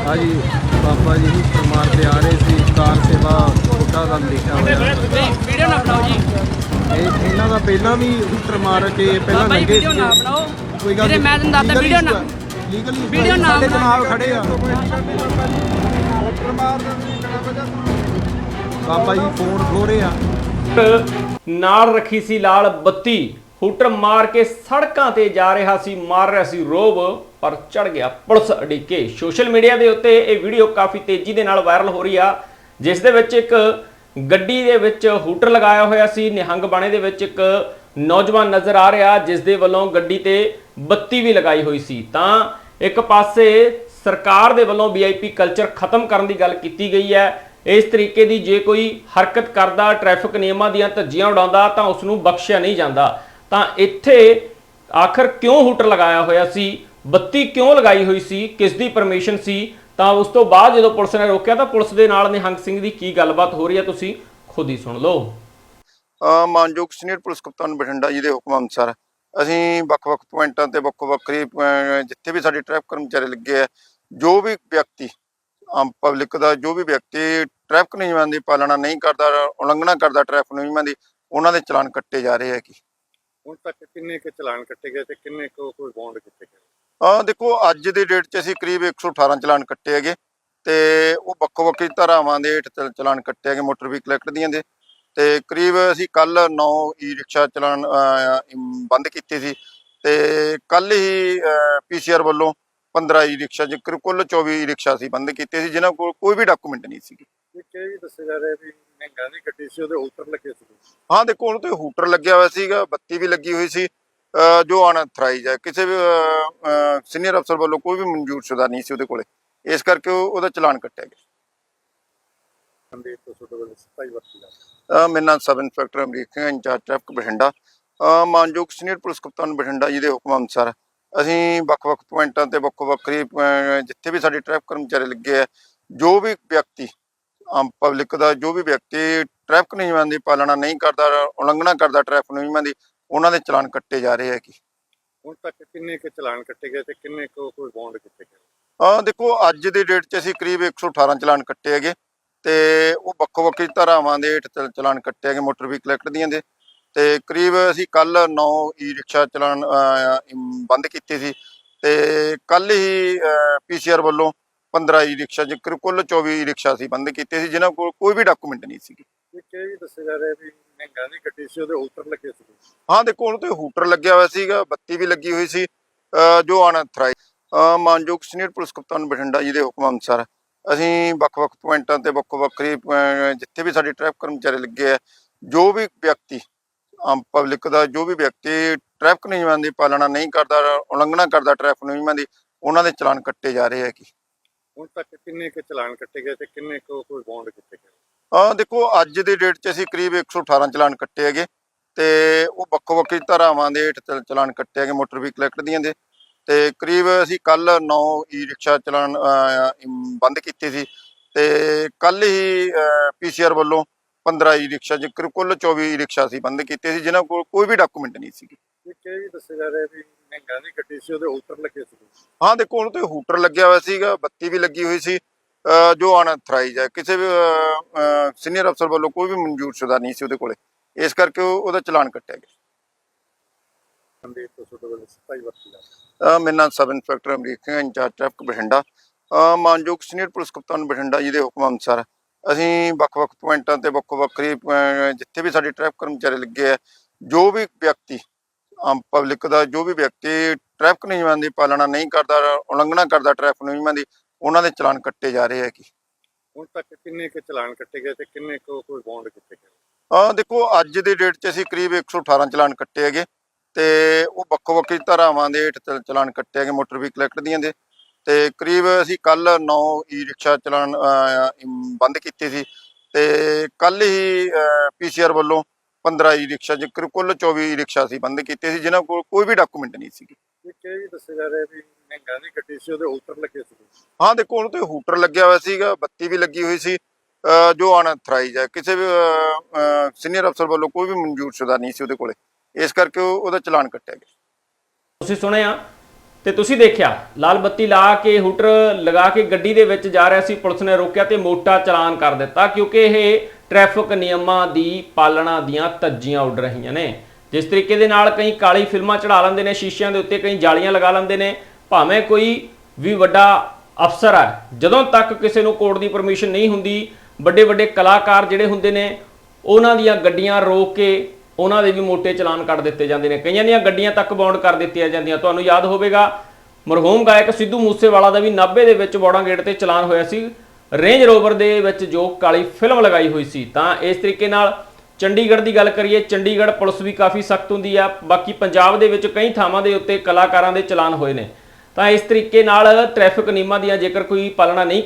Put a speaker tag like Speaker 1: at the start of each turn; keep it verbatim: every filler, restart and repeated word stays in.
Speaker 1: हाँ जी बाबा जी हूटर मारते आ रहे थे कार सेवा छोटा का लिखा हुआ
Speaker 2: वीडियो ना बनाओ जी।
Speaker 1: ਇਹਨਾਂ ਦਾ ਪਹਿਲਾਂ ਵੀ ਹੂਟਰ ਮਾਰ ਕੇ ਪਹਿਲਾਂ
Speaker 2: ਬਾਬਾ ਜੀ
Speaker 1: ਲੰਘੇ
Speaker 2: ਵੀਡੀਓ ਨਾ
Speaker 1: ਸੀਗੇ।
Speaker 2: ਬਣਾਓ।
Speaker 1: ਕੋਈ ਗੱਲ
Speaker 2: ਵੀਰੇ ਮੈਂ ਤੁਹਾਨੂੰ ਦੱਸਦਾ ਵੀਡੀਓ ਨਾ
Speaker 1: ਲੀਗਲੀ
Speaker 2: ਵੀਡੀਓ ਨਾ
Speaker 1: ਸਾਡੇ
Speaker 2: ਬਣਾਓ।
Speaker 1: ਜਨਾਬ ਖੜੇ ਆ ਬਾਬਾ ਜੀ ਫੋਨ ਖੋ ਰਹੇ ਆ
Speaker 3: ਨਾਲ ਰੱਖੀ ਸੀ ਲਾਲ ਬੱਤੀ ਹੂਟਰ ਮਾਰ ਕੇ ਸੜਕਾਂ ਤੇ ਜਾ ਰਿਹਾ ਸੀ ਮਾਰ ਰਿਹਾ ਸੀ ਰੋਬ ਪਰ ਚੜ ਗਿਆ ਪੁਲਿਸ ਅੜਿੱਕੇ। ਸੋਸ਼ਲ ਮੀਡੀਆ ਦੇ ਉੱਤੇ ਇਹ ਵੀਡੀਓ ਕਾਫੀ ਤੇਜ਼ੀ ਦੇ ਨਾਲ ਵਾਇਰਲ ਹੋ ਰਹੀ ਆ ਜਿਸ ਦੇ ਵਿੱਚ ਇੱਕ ਗੱਡੀ ਦੇ ਵਿੱਚ ਹੂਟਰ ਲਗਾਇਆ ਹੋਇਆ ਸੀ। ਨਿਹੰਗ ਬਾਣੇ ਦੇ ਵਿੱਚ ਇੱਕ ਨੌਜਵਾਨ ਨਜ਼ਰ ਆ ਰਿਹਾ ਜਿਸ ਦੇ ਵੱਲੋਂ ਗੱਡੀ ਤੇ ਬੱਤੀ ਵੀ ਲਗਾਈ ਹੋਈ ਸੀ। ਤਾਂ ਇੱਕ ਪਾਸੇ ਸਰਕਾਰ ਦੇ ਵੱਲੋਂ ਵੀ ਆਈ ਪੀ ਕਲਚਰ ਖਤਮ ਕਰਨ ਦੀ ਗੱਲ ਕੀਤੀ ਗਈ ਹੈ। ਇਸ ਤਰੀਕੇ ਦੀ ਜੇ ਕੋਈ ਹਰਕਤ ਕਰਦਾ ਟ੍ਰੈਫਿਕ ਨਿਯਮਾਂ ਦੀਆਂ ਧੱਜੀਆਂ ਉਡਾਉਂਦਾ ਤਾਂ ਉਸ ਨੂੰ ਬਖਸ਼ਿਆ ਨਹੀਂ ਜਾਂਦਾ। ਤਾਂ ਇੱਥੇ ਆਖਰ ਕਿਉਂ ਹੂਟਰ ਲਗਾਇਆ ਹੋਇਆ ਸੀ, ਬੱਤੀ ਕਿਉਂ ਲਗਾਈ ਹੋਈ ਸੀ, ਕਿਸ ਦੀ ਪਰਮਿਸ਼ਨ ਸੀ? ਤਾਂ ਉਸ ਤੋਂ ਬਾਅਦ ਜਦੋਂ ਪੁਲਿਸ ਨੇ ਰੋਕਿਆ ਤਾਂ ਪੁਲਿਸ ਦੇ ਨਾਲ ਨਿਹੰਗ ਸਿੰਘ ਦੀ ਕੀ ਗੱਲਬਾਤ ਹੋ ਰਹੀ ਹੈ ਤੁਸੀਂ ਖੁਦ ਹੀ ਸੁਣ ਲਓ।
Speaker 4: ਮਾਨਯੋਗ ਸੀਨੀਅਰ ਪੁਲਿਸ ਕਪਤਾਨ ਬਠਿੰਡਾ ਜੀ ਦੇ ਹੁਕਮ ਅਨੁਸਾਰ ਅਸੀਂ ਵੱਖ-ਵੱਖ ਪੁਆਇੰਟਾਂ ਤੇ ਵੱਖੋ-ਵੱਖਰੀ ਜਿੱਥੇ ਵੀ ਸਾਡੇ ਟ੍ਰੈਫਿਕ ਕਰਮਚਾਰੀ ਲੱਗੇ ਆ, ਜੋ ਵੀ ਵਿਅਕਤੀ ਆਮ ਪਬਲਿਕ ਦਾ ਜੋ ਵੀ ਵਿਅਕਤੀ ਟ੍ਰੈਫਿਕ ਨਿਯਮਾਂ ਦੀ ਪਾਲਣਾ ਨਹੀਂ ਕਰਦਾ, ਉਲੰਘਣਾ ਕਰਦਾ ਟ੍ਰੈਫਿਕ ਨਿਯਮਾਂ ਦੀ, ਉਹਨਾਂ ਦੇ ਚਲਾਨ ਕੱਟੇ ਜਾ ਰਹੇ ਆ। ਕਿ
Speaker 5: ਹੁਣ ਤੱਕ ਕਿੰਨੇ ਕੁ ਚਲਾਨ ਕੱਟੇ ਗਏ ਤੇ ਕਿੰਨੇ ਕੁ ਕੋਈ ਬੌਂਡ ਕੀਤੇ ਗਏ?
Speaker 4: ਆ ਦੇਖੋ ਅੱਜ ਦੇ ਡੇਟ 'ਚ ਅਸੀਂ ਕਰੀਬ ਇੱਕ ਸੌ ਅਠਾਰਾਂ ਚਲਾਨ ਕੱਟੇ ਹੈਗੇ ਤੇ ਉਹ ਵੱਖੋ-ਵੱਖਰੀ ਧਾਰਾਵਾਂ ਦੇ ਹੇਠ ਚ- ਚਲਾਨ ਕੱਟੇ ਹੈਗੇ ਮੋਟਰ ਵਹੀਕਲ ਐਕਟ ਦੀਆਂ ਦੇ। ਤੇ ਕਰੀਬ ਅਸੀਂ ਕੱਲ ਨੌ ਈ ਰਿਕਸ਼ਾ ਚਲਾਨ ਬੰਦ ਕੀਤੇ ਸੀ ਤੇ ਕੱਲ ਹੀ ਪੀਸੀਆਰ ਵੱਲੋਂ ਪੰਦਰਾਂ ਈ ਰਿਕਸ਼ਾ ਜ਼ਿਕਰ ਕੁੱਲ ਚੌਵੀ ਈ ਰਿਕਸ਼ਾ ਸੀ ਬੰਦ ਕੀਤੇ ਸੀ ਜਿਨ੍ਹਾਂ ਕੋਲ ਕੋਈ ਵੀ ਡਾਕੂਮੈਂਟ ਨਹੀਂ ਸੀ।
Speaker 5: ਇਹ ਕਿ ਵੀ ਦੱਸਿਆ ਜਾ ਰਿਹਾ ਵੀ ਮਹਿੰਗਾ ਦੀ ਗੱਡੀ ਸੀ, ਉਹਦੇ ਹੂਟਰ ਲੱਗੇ ਸੀ।
Speaker 4: ਹਾਂ ਦੇਖੋ ਉਹਨੂੰ ਤੇ ਹੂਟਰ ਲੱਗਿਆ ਹੋਇਆ ਸੀਗਾ, ਬੱਤੀ ਵੀ ਲੱਗੀ ਹੋਈ ਸੀ ਜੋ ਅਨਥਰਾਈਜ਼ ਹੈ, ਕਿਸੇ ਵੀ ਸੀਨੀਅਰ ਅਫਸਰ ਵੱਲੋਂ ਕੋਈ ਵੀ ਮਨਜ਼ੂਰਸ਼ੁਦਾ ਨਹੀਂ ਸੀ ਉਹਦੇ ਕੋਲੇ, ਇਸ ਕਰਕੇ ਉਹਦਾ ਚਲਾਨ ਕੱਟਿਆ ਗਿਆ।
Speaker 5: ਸੰਦੀਪ ਤੋਂ ਛੋਟੇ ਵੱਲੋਂ ਸਤਾਈ ਵਰਤੀ ਜਾ
Speaker 4: ਮੇਰਾ ਨਾਮ sub inspector Amrik Singh, incharge traffic Bathinda. ਮਾਨਯੋਗ ਸੀਨੀਅਰ ਪੁਲਿਸ ਕਪਤਾਨ ਬਠਿੰਡਾ ਜੀ ਦੇ ਹੁਕਮ ਅਨੁਸਾਰ ਅਸੀਂ ਵੱਖ-ਵੱਖ ਪੁਆਇੰਟਾਂ ਤੇ ਵੱਖੋ-ਵੱਖਰੀ ਜਿੱਥੇ ਵੀ ਸਾਡੇ ਟ੍ਰੈਫਿਕ ਕਰਮਚਾਰੀ ਲੱਗੇ ਆ, ਜੋ ਵੀ ਵਿਅਕਤੀ ਆਮ ਪਬਲਿਕ ਦਾ ਜੋ ਵੀ ਵਿਅਕਤੀ ਟ੍ਰੈਫਿਕ ਨਿਯਮਾਂ ਦੀ ਪਾਲਣਾ ਨਹੀਂ ਕਰਦਾ, ਉਲੰਘਣਾ ਕਰਦਾ ਟ੍ਰੈਫਿਕ ਨਿਯਮਾਂ ਦੀ, ਉਹਨਾਂ ਦੇ ਚਲਾਨ ਕੱਟੇ ਜਾ ਰਹੇ ਆ। ਕਿ
Speaker 5: ਹੁਣ ਤੱਕ ਕਿੰਨੇ ਕੁ ਚਲਾਨ ਕੱਟੇ ਗਏ ਤੇ ਕਿੰਨੇ ਕੁ ਕੋਈ ਬੌਂਡ ਕੀਤੇ ਗਏ?
Speaker 4: ਆ ਦੇਖੋ ਅੱਜ ਦੇ ਡੇਟ 'ਚ ਅਸੀਂ ਕਰੀਬ ਇੱਕ ਸੌ ਅਠਾਰਾਂ ਚਲਾਨ ਕੱਟੇ ਹੈਗੇ ਤੇ ਉਹ ਵੱਖੋ-ਵੱਖਰੀ ਧਾਰਾਵਾਂ ਦੇ ਹੇਠ ਚ- ਚਲਾਨ ਕੱਟੇ ਹੈਗੇ ਮੋਟਰ ਵਹੀਕਲ ਐਕਟ ਦੀਆਂ ਦੇ। ਤੇ ਕਰੀਬ ਅਸੀਂ ਕੱਲ ਨੌ ਈ ਰਿਕਸ਼ਾ ਚਲਾਨ ਬੰਦ ਕੀਤੇ ਸੀ ਤੇ ਕੱਲ ਹੀ ਪੀਸੀਆਰ ਵੱਲੋਂ ਪੰਦਰਾਂ ਈ ਰਿਕਸ਼ਾ ਜ਼ਿਕਰ ਕੁੱਲ ਚੌਵੀ ਈ ਰਿਕਸ਼ਾ ਸੀ ਬੰਦ ਕੀਤੇ ਸੀ ਜਿਨ੍ਹਾਂ ਕੋਲ ਕੋਈ ਵੀ ਡਾਕੂਮੈਂਟ ਨਹੀਂ ਸੀ।
Speaker 5: ਇਹ ਕਿ ਵੀ ਦੱਸਿਆ ਜਾ ਰਿਹਾ ਵੀ ਮਹਿੰਗਾ ਦੀ ਗੱਡੀ ਸੀ, ਉਹਦੇ ਹੂਟਰ ਲੱਗੇ ਸੀ।
Speaker 4: ਹਾਂ ਦੇਖੋ ਉਹਨੂੰ ਤੇ ਹੂਟਰ ਲੱਗਿਆ ਹੋਇਆ ਸੀਗਾ, ਬੱਤੀ ਵੀ ਲੱਗੀ ਹੋਈ ਸੀ ਜੋ ਅਨਥਰਾਈਜ਼। ਮਾਨਯੋਗ ਸੀਨੀਅਰ ਪੁਲਿਸ ਕਪਤਾਨ ਬਠਿੰਡਾ ਜੀ ਦੇ ਹੁਕਮ ਅਨੁਸਾਰ ਅਸੀਂ ਵੱਖ-ਵੱਖ ਪੁਆਇੰਟਾਂ ਤੇ ਵੱਖੋ-ਵੱਖਰੀ ਜਿੱਥੇ ਵੀ ਸਾਡੇ ਟ੍ਰੈਫਿਕ ਕਰਮਚਾਰੀ ਲੱਗੇ ਆ, ਜੋ ਵੀ ਵਿਅਕਤੀ ਆਮ ਪਬਲਿਕ ਦਾ ਜੋ ਵੀ ਵਿਅਕਤੀ ਟ੍ਰੈਫਿਕ ਨਿਯਮਾਂ ਦੀ ਪਾਲਣਾ ਨਹੀਂ ਕਰਦਾ, ਉਲੰਘਣਾ ਕਰਦਾ ਟ੍ਰੈਫਿਕ ਨਿਯਮਾਂ ਦੀ, ਉਹਨਾਂ ਦੇ ਚਲਾਨ ਕੱਟੇ ਜਾ ਰਹੇ ਆ। ਕਿ
Speaker 5: ਹੁਣ ਤੱਕ ਕਿੰਨੇ ਕੁ ਚਲਾਨ ਕੱਟੇ ਗਏ ਤੇ ਕਿੰਨੇ ਕੁ ਕੋਈ ਬੌਂਡ ਕੀਤੇ ਗਏ?
Speaker 4: ਆ ਦੇਖੋ ਅੱਜ ਦੇ ਡੇਟ 'ਚ ਅਸੀਂ ਕਰੀਬ ਇੱਕ ਸੌ ਅਠਾਰਾਂ ਚਲਾਨ ਕੱਟੇ ਹੈਗੇ ਤੇ ਉਹ ਵੱਖੋ-ਵੱਖਰੀ ਧਾਰਾਵਾਂ ਦੇ ਹੇਠ ਚ- ਚਲਾਨ ਕੱਟੇ ਹੈਗੇ ਮੋਟਰ ਵਹੀਕਲ ਐਕਟ ਦੀਆਂ ਦੇ। ਤੇ ਕਰੀਬ ਅਸੀਂ ਕੱਲ ਨੌ ਈ ਰਿਕਸ਼ਾ ਚਲਾਨ ਬੰਦ ਕੀਤੇ ਸੀ ਤੇ ਕੱਲ ਹੀ ਪੀਸੀਆਰ ਵੱਲੋਂ ਪੰਦਰਾਂ ਈ ਰਿਕਸ਼ਾ ਜ਼ਿਕਰ ਕੁੱਲ ਚੌਵੀ ਈ ਰਿਕਸ਼ਾ ਸੀ ਬੰਦ ਕੀਤੇ ਸੀ ਜਿਨ੍ਹਾਂ ਕੋਲ ਕੋਈ ਵੀ ਡਾਕੂਮੈਂਟ ਨਹੀਂ ਸੀ।
Speaker 5: ਇਹ ਕਿ ਵੀ ਦੱਸਿਆ ਜਾ ਰਿਹਾ ਵੀ ਮਹਿੰਗਾ ਦੀ ਗੱਡੀ ਸੀ, ਉਹਦੇ ਹੂਟਰ ਲੱਗੇ ਸੀ।
Speaker 4: ਹਾਂ ਦੇਖੋ ਉਹਨੂੰ ਤੇ ਹੂਟਰ ਲੱਗਿਆ ਹੋਇਆ ਸੀਗਾ, ਬੱਤੀ ਵੀ ਲੱਗੀ ਹੋਈ ਸੀ ਜੋ ਅਨਥਰਾਈਜ਼ ਹੈ, ਕਿਸੇ ਵੀ ਸੀਨੀਅਰ ਅਫਸਰ ਵੱਲੋਂ ਕੋਈ ਵੀ ਮਨਜ਼ੂਰਸ਼ੁਦਾ ਨਹੀਂ ਸੀ ਉਹਦੇ ਕੋਲੇ, ਇਸ ਕਰਕੇ ਉਹਦਾ ਚਲਾਨ ਕੱਟਿਆ ਗਿਆ।
Speaker 5: ਸੰਦੀਪ ਤੋਂ ਛੋਟੇ ਵੱਲੋਂ ਸਤਾਈ ਵਰਤੀ ਜਾ
Speaker 4: ਮੇਰਾ ਨਾਮ sub inspector Amrik Singh, incharge traffic Bathinda. ਮਾਨਯੋਗ ਸੀਨੀਅਰ ਪੁਲਿਸ ਕਪਤਾਨ ਬਠਿੰਡਾ ਜੀ ਦੇ ਹੁਕਮ ਅਨੁਸਾਰ ਅਸੀਂ ਵੱਖ-ਵੱਖ ਪੁਆਇੰਟਾਂ ਤੇ ਵੱਖੋ-ਵੱਖਰੀ ਜਿੱਥੇ ਵੀ ਸਾਡੇ ਟ੍ਰੈਫਿਕ ਕਰਮਚਾਰੀ ਲੱਗੇ ਆ, ਜੋ ਵੀ ਵਿਅਕਤੀ ਆਮ ਪਬਲਿਕ ਦਾ ਜੋ ਵੀ ਵਿਅਕਤੀ ਟ੍ਰੈਫਿਕ ਨਿਯਮਾਂ ਦੀ ਪਾਲਣਾ ਨਹੀਂ ਕਰਦਾ, ਉਲੰਘਣਾ ਕਰਦਾ ਟ੍ਰੈਫਿਕ ਨਿਯਮਾਂ ਦੀ, ਉਹਨਾਂ ਦੇ ਚਲਾਨ ਕੱਟੇ ਜਾ ਰਹੇ ਆ। ਕਿ
Speaker 5: ਹੁਣ ਤੱਕ ਕਿੰਨੇ ਕੁ ਚਲਾਨ ਕੱਟੇ ਗਏ ਤੇ ਕਿੰਨੇ ਕੁ ਕੋਈ ਬੌਂਡ ਕੀਤੇ ਗਏ?
Speaker 4: ਆ ਦੇਖੋ ਅੱਜ ਦੇ ਡੇਟ 'ਚ ਅਸੀਂ ਕਰੀਬ ਇੱਕ ਸੌ ਅਠਾਰਾਂ ਚਲਾਨ ਕੱਟੇ ਹੈਗੇ ਤੇ ਉਹ ਵੱਖੋ-ਵੱਖਰੀ ਧਾਰਾਵਾਂ ਦੇ ਹੇਠ ਚ- ਚਲਾਨ ਕੱਟੇ ਹੈਗੇ ਮੋਟਰ ਵਹੀਕਲ ਐਕਟ ਦੀਆਂ ਦੇ। ਤੇ ਕਰੀਬ ਅਸੀਂ ਕੱਲ ਨੌ ਈ ਰਿਕਸ਼ਾ ਚਲਾਨ ਬੰਦ ਕੀਤੇ ਸੀ ਤੇ ਕੱਲ ਹੀ ਪੀਸੀਆਰ ਵੱਲੋਂ ਪੰਦਰਾਂ ਈ ਰਿਕਸ਼ਾ ਜ਼ਿਕਰ ਕੁੱਲ ਚੌਵੀ ਈ ਰਿਕਸ਼ਾ ਸੀ ਬੰਦ ਕੀਤੇ ਸੀ ਜਿਨ੍ਹਾਂ ਕੋਲ ਕੋਈ ਵੀ ਡਾਕੂਮੈਂਟ ਨਹੀਂ ਸੀ।
Speaker 5: ਇਹ ਕਿ ਵੀ ਦੱਸਿਆ ਜਾ ਰਿਹਾ ਵੀ ਮਹਿੰਗਾ ਦੀ ਗੱਡੀ ਸੀ, ਉਹਦੇ ਹੂਟਰ ਲੱਗੇ ਸੀ।
Speaker 4: ਹਾਂ ਦੇਖੋ ਉਹਨੂੰ ਤੇ ਹੂਟਰ ਲੱਗਿਆ ਹੋਇਆ ਸੀਗਾ, ਬੱਤੀ ਵੀ ਲੱਗੀ ਹੋਈ ਸੀ ਜੋ ਅਨਥਰਾਈਜ਼ ਹੈ, ਕਿਸੇ ਵੀ ਸੀਨੀਅਰ ਅਫਸਰ ਵੱਲੋਂ ਕੋਈ ਵੀ ਮਨਜ਼ੂਰਸ਼ੁਦਾ ਨਹੀਂ ਸੀ ਉਹਦੇ ਕੋਲੇ, ਇਸ ਕਰਕੇ ਉਹਦਾ ਚਲਾਨ ਕੱਟਿਆ ਗਿਆ।
Speaker 3: ਤੁਸੀਂ ਸੁਣਿਆ ਤੇ ਤੁਸੀਂ ਦੇਖਿਆ ਲਾਲ ਬੱਤੀ ਲਾ ਕੇ ਹੂਟਰ ਲਗਾ ਕੇ ਗੱਡੀ ਦੇ ਵਿੱਚ ਜਾ ਰਿਹਾ ਸੀ, ਪੁਲਿਸ ਨੇ ਰੋਕਿਆ ਤੇ ਮੋਟਾ ਚਲਾਨ ਕਰ ਦਿੱਤਾ ਕਿਉਂਕਿ ਇਹ ਟ੍ਰੈਫਿਕ ਨਿਯਮਾਂ ਦੀ ਪਾਲਣਾ ਦੀਆਂ ਧੱਜੀਆਂ ਉੱਡ ਰਹੀਆਂ ਨੇ। ਜਿਸ ਤਰੀਕੇ ਦੇ ਨਾਲ ਕਈ ਕਾਲੀ ਫਿਲਮਾਂ ਚੜਾ ਲੈਂਦੇ ਨੇ ਸ਼ੀਸ਼ਿਆਂ ਦੇ ਉੱਤੇ, ਕਈ ਜਾਲੀਆਂ ਲਗਾ ਲੈਂਦੇ ਨੇ, ਭਾਵੇਂ ਕੋਈ ਵੀ ਵੱਡਾ ਅਫਸਰ ਹੈ, ਜਦੋਂ ਤੱਕ ਕਿਸੇ ਨੂੰ ਕੋਰਟ ਦੀ ਪਰਮਿਸ਼ਨ ਨਹੀਂ ਹੁੰਦੀ, ਵੱਡੇ ਵੱਡੇ ਕਲਾਕਾਰ ਜਿਹੜੇ ਹੁੰਦੇ ਨੇ ਉਹਨਾਂ ਦੀਆਂ ਗੱਡੀਆਂ ਰੋਕ ਕੇ ਉਹਨਾਂ ਦੇ ਵੀ ਮੋਟੇ ਚਲਾਨ ਕੱਢ ਦਿੱਤੇ ਜਾਂਦੇ ਨੇ, ਕਈਆਂ ਦੀਆਂ ਗੱਡੀਆਂ ਤੱਕ ਬੌਂਡ ਕਰ ਦਿੱਤੀਆਂ ਜਾਂਦੀਆਂ। ਤੁਹਾਨੂੰ ਯਾਦ ਹੋਵੇਗਾ ਮਰਹੂਮ ਗਾਇਕ ਸਿੱਧੂ ਮੂਸੇਵਾਲਾ ਦਾ ਵੀ ਨਾਭੇ ਦੇ ਵਿੱਚ ਬੌੜਾਂ ਗੇਟ ਤੇ ਚਲਾਨ ਹੋਇਆ ਸੀ ਰੇਂਜ ਰੋਵਰ ਦੇ ਵਿੱਚ ਜੋ ਕਾਲੀ ਫਿਲਮ ਲਗਾਈ ਹੋਈ ਸੀ। ਤਾਂ ਇਸ ਤਰੀਕੇ ਨਾਲ ਚੰਡੀਗੜ੍ਹ ਦੀ ਗੱਲ ਕਰੀਏ, ਚੰਡੀਗੜ੍ਹ ਪੁਲਿਸ ਵੀ ਕਾਫੀ ਸਖਤ ਹੁੰਦੀ ਆ। ਬਾਕੀ ਪੰਜਾਬ ਦੇ ਵਿੱਚ ਕਈ ਥਾਵਾਂ ਦੇ ਉੱਤੇ ਕਲਾਕਾਰਾਂ ਦੇ ਚਲਾਨ ਹੋਏ ਨੇ। ਤਾਂ ਇਸ ਤਰੀਕੇ ਨਾਲ ਟ੍ਰੈਫਿਕ ਨਿਯਮਾਂ ਦੀਆਂ ਜੇਕਰ ਕੋਈ ਪਾਲਣਾ ਨਹੀਂ